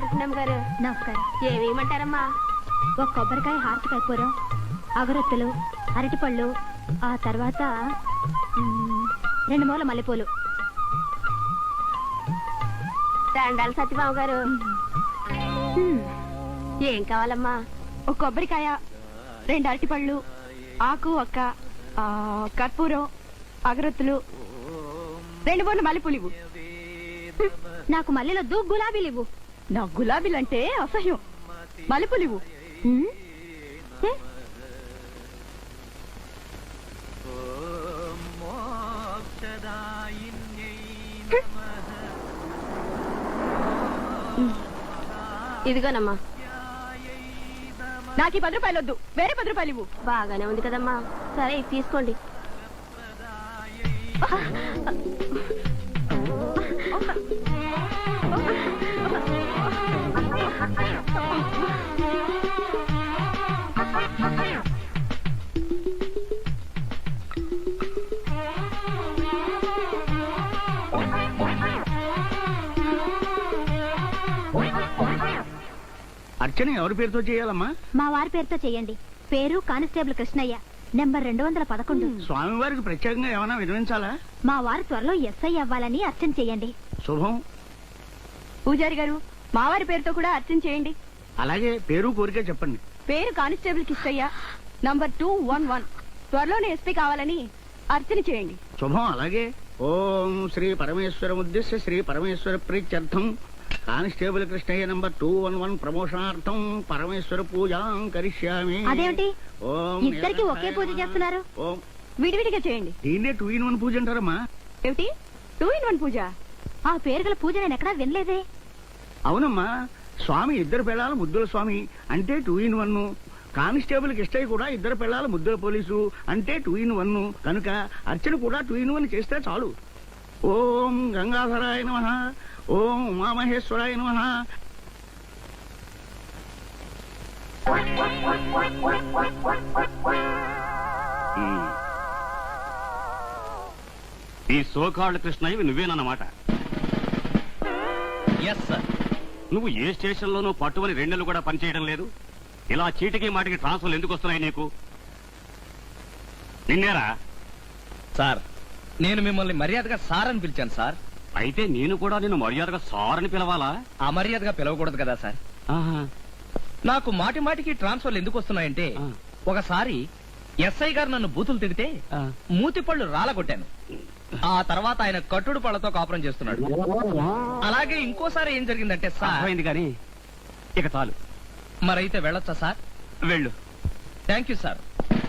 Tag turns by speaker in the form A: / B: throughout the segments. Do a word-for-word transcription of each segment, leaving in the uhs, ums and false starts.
A: పుణ్యం గారు
B: నమస్కారం.
A: ఏమేమంటారమ్మా?
B: ఒక కొబ్బరికాయ హారతికాయ పూరం, అగరొత్తులు, అరటిపళ్ళు, ఆ తర్వాత మ్, రెండు మూల మల్లెపూలు.
A: దండాలు సత్యబాబు గారు.
B: మ్,
A: ఏం కావాలమ్మా?
B: ఒక కొబ్బరికాయ, రెండు అరటిపళ్ళు, ఆకు ఒక్క, ఆ, కర్పూరం, అగరొత్తులు, రెండు మూల మల్లెపూలు ఇవ్వు. హ్మ్, నాకు మల్లెలొద్దు, గులాబీలు ఇవ్వు. నాకు గులాబీలంటే అసహ్యం. మల్లెపూలు ఇవ్వు. మ్, ఏ?
A: ఇదిగోనమ్మా.
B: నాకు ఈ పది రూపాయలు వద్దు, వేరే పది రూపాయలు ఇవ్వు.
A: బాగానే ఉంది కదమ్మా. సరే ఇది తీసుకోండి.
C: అర్చన ఎవరి పేరుతో చేయాలమ్మా?
B: మా వారి పేరుతో చెయ్యండి. పేరు కానిస్టేబుల్ కృష్ణయ్య, నెంబర్ రెండు వందల పదకొండు.
C: స్వామివారికి ప్రత్యేకంగా ఏమైనా వినిపించాలా?
B: మా వారు త్వరలో ఎస్ఐ అవ్వాలని అర్చన చెయ్యండి.
C: శుభం.
B: పూజారి గారు, మా వారి పేరుతో కూడా అర్చన చేయండి.
C: అలాగే పేరు కోరిక చెప్పండి.
B: పేరు constable Kishtayya, number two one one. త్వరలోనే ఎస్పీ కావాలని అర్చన చేయండి.
C: శుభం. అలాగే ఓం శ్రీ పరమేశ్వర ఉద్దేశ్య శ్రీ పరమేశ్వర ప్రీత్యర్థం constable Krishnayya number two one one ప్రమోషనార్థం పరమేశ్వర పూజాం కరిష్యామి.
B: అదేమిటి
C: ఓం
B: ఇద్దరికి ఒకే పూజ చేస్తున్నారు?
C: ఓం
B: విడివిడిగా చేయండి.
C: దీన్నే టూ ఇన్ వన్ పూజ అంటారమ్మా.
B: ఏమిటి టూ ఇన్ వన్ పూజ? ఆ పేరు గల పూజ నేను ఎక్కడా వినలేదే.
C: అవునమ్మా, స్వామి ఇద్దరు పిల్లల ముద్దుల స్వామి అంటే two in one. Constable Kishtayya కూడా ఇద్దరు పిల్లల ముద్దుల పోలీసు అంటే టూ ఇన్ వన్. కనుక అర్చన కూడా టూ ఇన్ వన్ చేస్తే చాలు. ఓం గంగాధరాయ నమః, ఓం ఉమామహేశ్వరాయ నమః.
D: ఈ సోకాళ్ళ కృష్ణయ్యవి నువ్వేనన్నమాట.
E: Yes sir.
D: నువ్వు ఏ స్టేషన్ లోనూ పట్టువని రెండెళ్ళు కూడా పనిచేయడం లేదు. ఇలా చీటికి మాటికి ట్రాన్స్ఫర్లు ఎందుకు వస్తున్నాయి నీకు? నిన్నేరా?
E: సార్, నేను మిమ్మల్ని మర్యాదగా సార్ అని పిలిచాను సార్.
D: అయితే నేను కూడా నిన్ను మర్యాదగా సార్ అని పిలవాలా?
E: అమర్యాదగా పిలవకూడదు కదా సార్.
D: ఆహా.
E: నాకు మాటి మాటికి ట్రాన్స్ఫర్లు ఎందుకు వస్తున్నాయంటే,
D: ఆ.
E: ఒకసారి ఎస్ఐ గారు నన్ను బూతులు తిడితే
D: ఆ.
E: మూతి పళ్ళు రాలగొట్టాను. ఆ తర్వాత ఆయన కట్టుడు పళ్ళతో కాపురం చేస్తున్నాడు. అలాగే ఇంకోసారి ఏం జరిగిందంటే సార్.
D: అర్థమైంది కానీ ఇక చాలు.
E: మరైతే వెళ్ళొచ్చా సార్?
D: వెళ్ళు.
E: Thank you sir.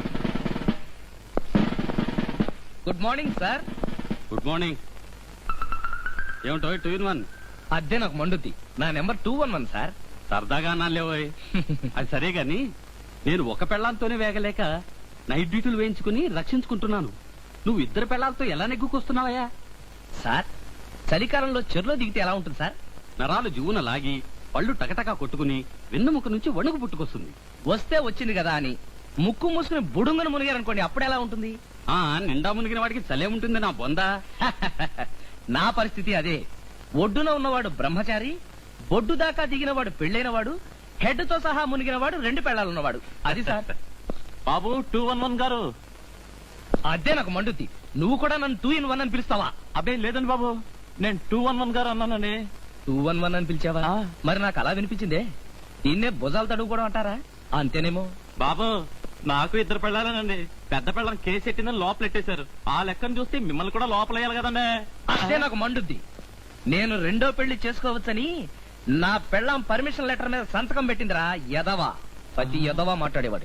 E: Good morning sir.
D: Good morning. ఏమిటో టూ ఇన్ వన్?
E: అదే నాకు మండుద్ది. నా number two one one sir.
D: సరదాగా అన్నాలేవోయ్. అది సరే గాని నేను ఒక పెళ్లాంతోనే వేగలేక నైట్ డ్యూటీలు వేయించుకుని రక్షించుకుంటున్నాను. నువ్వు ఇద్దరు పెళ్లాలతో ఎలా నెగ్గుకొస్తున్నావయ్యా?
E: సార్, చలికాలంలో చెరులో దిగితే ఎలా ఉంటుంది సార్?
D: నరాలు జువున లాగి పళ్ళు టకటకా కొట్టుకుని వెన్నుముక నుంచి వణుకు పుట్టుకొస్తుంది.
E: వస్తే వచ్చింది కదా అని ముక్కు మూసుకుని బుడుంగను మునిగారనుకోండి, అప్పుడు ఎలా ఉంటుంది?
D: ఆ నిండా మునిగిన వాడికి చలే ఉంటుంది నా బొందా.
E: నా పరిస్థితి అదే. ఒడ్డున ఉన్నవాడు బ్రహ్మచారి, బొడ్డు దాకా దిగినవాడు పెళ్ళైనవాడు, హెడ్ తో సహా మునిగినవాడు, రెండు పెళ్ళాలున్నవాడు. అది సార్.
D: బాబు టూ వన్ వన్ గారు.
E: అదే నాకు మండుద్ది. నువ్వు కూడా నన్ను టూ ఇన్ వన్ అని పిలుస్తావా?
D: అబ్బే లేదండి బాబు, నేను టూ వన్ వన్ గారు అన్నానండి.
E: టూ వన్ వన్ అని పిలిచావా?
D: ఆ.
E: మరి నాకు అలా వినిపించిందే. దీన్నే భుజాలు తడుగుకోవడం అంటారా? అంతేనేమో.
D: బాబు నాకు ఇద్దరు పెళ్ళాలనండి. పెద్ద పెళ్ళం కేసు ఎట్టిందని లోపలెట్టేశారు. ఆ లెక్కను చూస్తే మిమ్మల్ని కూడా లోపలేయాలి కదండి.
E: అదే నాకు మండుద్ది. నేను రెండో పెళ్లి చేసుకోవచ్చని నా పెళ్ళాం పర్మిషన్ లెటర్ మీద సంతకం పెట్టిందిరా యదవా. ప్రతి యదవా మాట్లాడేవాడు.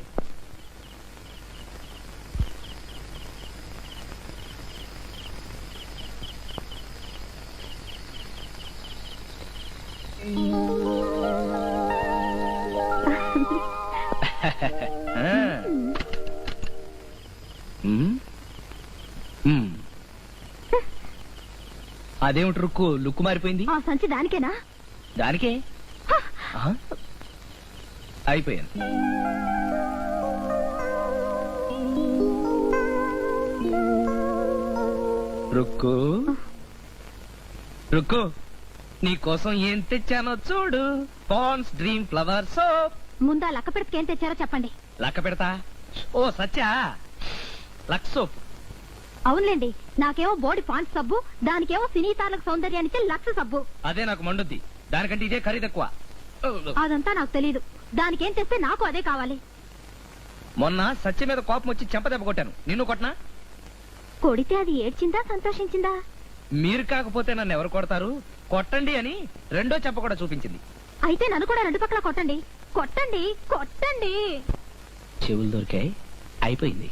E: అదేమిటి రుక్కు లుక్కు మారిపోయింది?
B: ఆ సంచి దానికేనా?
E: దానికే. ఆహా. అయిపోయాను. రుక్కు రుక్కు నీ కోసం ఏం తెచ్చానో చూడు. Pond's Dream Flower soap.
B: ముందా లక్క పెడితే ఏం తెచ్చారో చెప్పండి.
E: లక్క పెడతా. ఓ సత్యా, లక్స్ సోప్.
B: అవునులేండి, నాకేమో బోడి పాంచ్ సబ్బు, దానికేమో సినీ తారలకు సౌందర్యానికి లక్ష సబ్బు.
E: అదే నాకు మండుద్ది. దానికంటే ఇదే ఖరీదు ఎక్కువ.
B: అదంతా నాకు తెలీదు. దానికేం తెస్తే నాకు అదే కావాలి.
E: మొన్న సత్య మీద కోపం వచ్చి చెంపదెబ్బ కొట్టాను. నిన్ను కొట్టనా?
B: కొడితే అది ఏడ్చిందా సంతోషించిందా?
E: మీరు కాకపోతే నన్ను ఎవరు కొడతారు? కొట్టండి అని రెండో చెంప కూడా చూపించింది.
B: అయితే నన్ను కూడా రెండు పక్కల కొట్టండి, కొట్టండి, కొట్టండి.
E: చెవులు దొరికాయి, అయిపోయింది.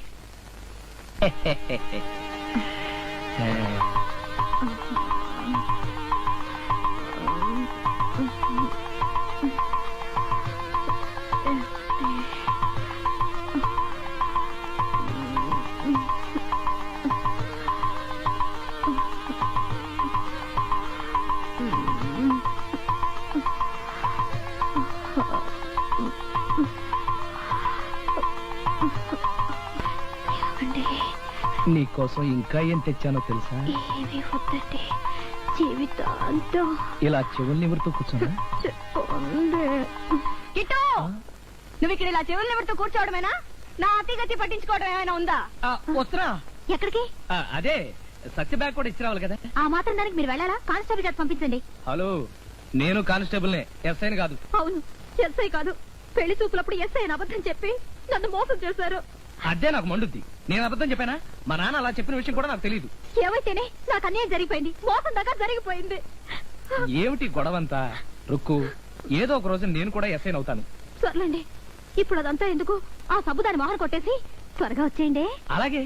E: నీకోసం ఇంకా ఏం తెచ్చానో తెలుసా?
B: ఏమి వద్దండి, జీవితాంతం
E: ఇలా చెవులు నిమురుతూ కూర్చున్నా.
B: చెప్పండి. కిట్టు, నువ్వు ఇక్కడ ఇలా చెవులు నిమురుతూ కూర్చోవడమేనా? నా అతిగతి పట్టించుకోవడం ఏమైనా ఉందా?
E: వస్తున్నా.
B: ఎక్కడికి?
E: ఆ, అదే సత్య బ్యాగ్ కూడా ఇచ్చి రావాలి కదా.
B: ఆ మాత్రం దానికి మీరు వెళ్ళాలా? కానిస్టేబుల్ చేత పంపించండి.
E: హలో, నేను కానిస్టేబుల్నే, ఎస్ఐని కాదు.
B: అవును, ఎస్ఐ కాదు. పెళ్లి చూపులప్పుడు ఎస్ఐ అబద్ధం చెప్పి నన్ను మోసం చేశారు.
E: అదే నాకు మండుద్ది. నేను అబద్ధం చెప్పానా? మా నాన్న అలా చెప్పిన విషయం కూడా నాకు తెలియదు.
B: ఏమైతేనే నాకు అన్యాయం జరిగిపోయింది, మోసం దాకా జరిగిపోయింది.
E: ఏమిటి గొడవంతా? రుక్కు, ఏదో ఒక రోజు నేను కూడా ఎస్ఐని అవుతాను.
B: సర్లేండి, ఇప్పుడు అదంతా ఎందుకు? ఆ సబ్బు దాని మొహం కొట్టేసి త్వరగా వచ్చేయండి.
E: అలాగే.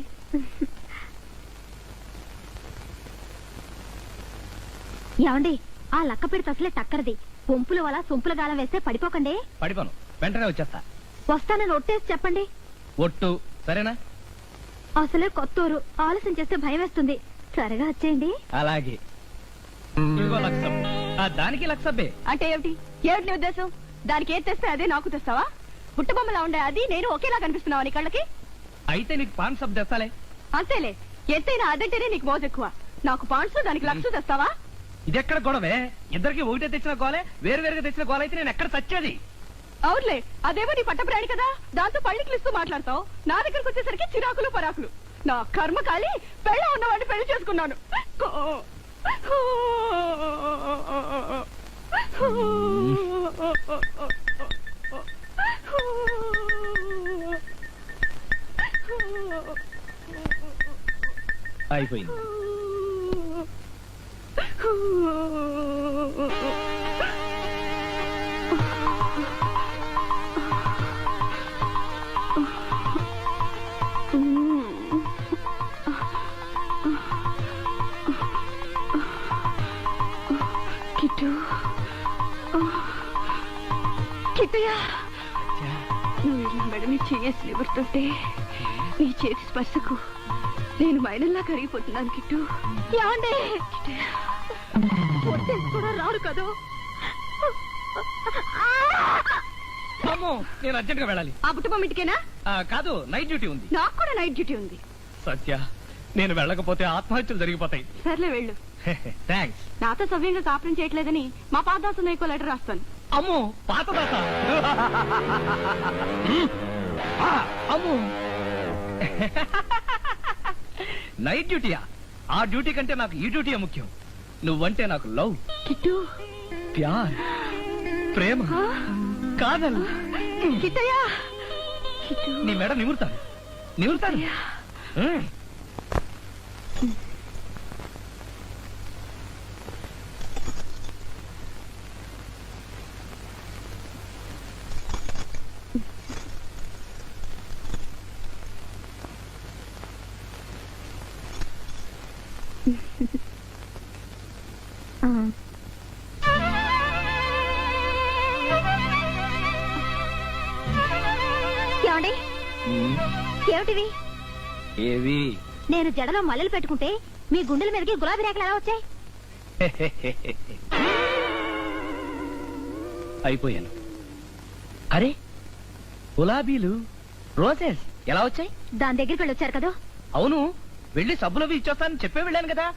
B: ఏమండి, ఆ లక్క పెడితే అసలే టక్కరది. పొంపుల వల్ల సొంపుల గాలం వేస్తే పడిపోకండి.
E: పడిపోను, వెంటనే వచ్చేస్తా.
B: వస్తానని ఒట్టేసి చెప్పండి.
E: ఒట్టు, సరేనా?
B: అసలే కొత్తూరు, ఆలస్యం చేస్తే భయం వేస్తుంది. త్వరగా వచ్చేయండి.
E: అలాగే. ఇదిగో లక్షం. ఆ, దానికి లక్షబ్బే.
B: అంటే ఏమిటి? ఏమిటి నీ ఉద్దేశం? దానికి ఏది తెస్తే అదే నాకు తెస్తావా? పుట్టబొమ్మలా ఉండే అది నేను ఒకేలా కనిపిస్తున్నావా నీ కళ్ళకి?
E: అయితే నీకు పాన్ సబ్ తెస్తాలే.
B: అంతేలే, ఎత్తైనా అదంటేనే నీకు మోజు ఎక్కువ. నాకు పాండ్స్ దానికి లక్ష తెస్తావా?
E: ఇదెక్కడ గొడవే? ఇద్దరికి ఒకటే తెచ్చిన గోలే, వేరు వేరుగా తెచ్చిన గోల అయితే నేను ఎక్కడ చచ్చేది?
B: అవునులే, అదేమో నీ పట్టప్రాణి కదా, దాంతో పళ్ళికిలిస్తూ మాట్లాడతావు. నా దగ్గరకు వచ్చేసరికి చిరాకులు పరాకులు. నా కర్మ కాలి పెళ్ళ ఉన్నవాడిని పెళ్లి చేసుకున్నాను.
E: అయిపోయింది.
B: కిట్టు, కిట్టుయా, నువ్వు ఇలా మెడని చేసి నిబడుతుంటే నీ చేతి స్పర్శకు నేను మైనల్లా కరిగిపోతున్నాను. కిట్టు, ఏమండి? ఒట్టేసి కూడా రాడు కదా.
E: అమ్మో, నేను అర్జెంట్ గా వెళ్ళాలి.
B: ఆ బుట్టబొమ్మ ఇంటికేనా?
E: ఆ, కాదు, నైట్ డ్యూటీ ఉంది.
B: నాకు కూడా నైట్ డ్యూటీ ఉంది.
E: సత్య, నేను వెళ్ళకపోతే ఆత్మహత్యలు జరిగిపోతాయి.
B: సర్లే వెళ్ళు.
E: థ్యాంక్స్.
B: నాతో సవ్యంగా కాపురం చేయట్లేదని మా పాదాసు నీకో లెటర్ రాస్తాను.
E: అమ్మో, పాత దాత. ఆ, అమ్మో. నైట్ డ్యూటీయా? ఆ డ్యూటీ కంటే నాకు ఈ డ్యూటీయే ముఖ్యం. నువ్వంటే నాకు లవ్,
B: కిట్టు,
E: ప్యార్, ప్రేమ, కాదల్.
B: కిట్టయ్యా, కిట్టు,
E: నీ మెడ నిమురుతాను, నిమురుతాను. ఉమ్.
B: ఏమండి? ఏమిటివి?
E: ఏవి?
B: నేను జడలో మల్లెలు పెట్టుకుంటే మీ గుండెల మీదకి గులాబీ రేఖలు ఎలా వచ్చాయి?
E: అయిపోయాను. అరే, గులాబీలు, రోజెస్ ఎలా వచ్చాయి?
B: దాని దగ్గరికి వెళ్ళి వచ్చారు కదా.
E: అవును, వెళ్ళి సబ్బులవి ఇచ్చొస్తానని చెప్పే వెళ్ళాను కదా.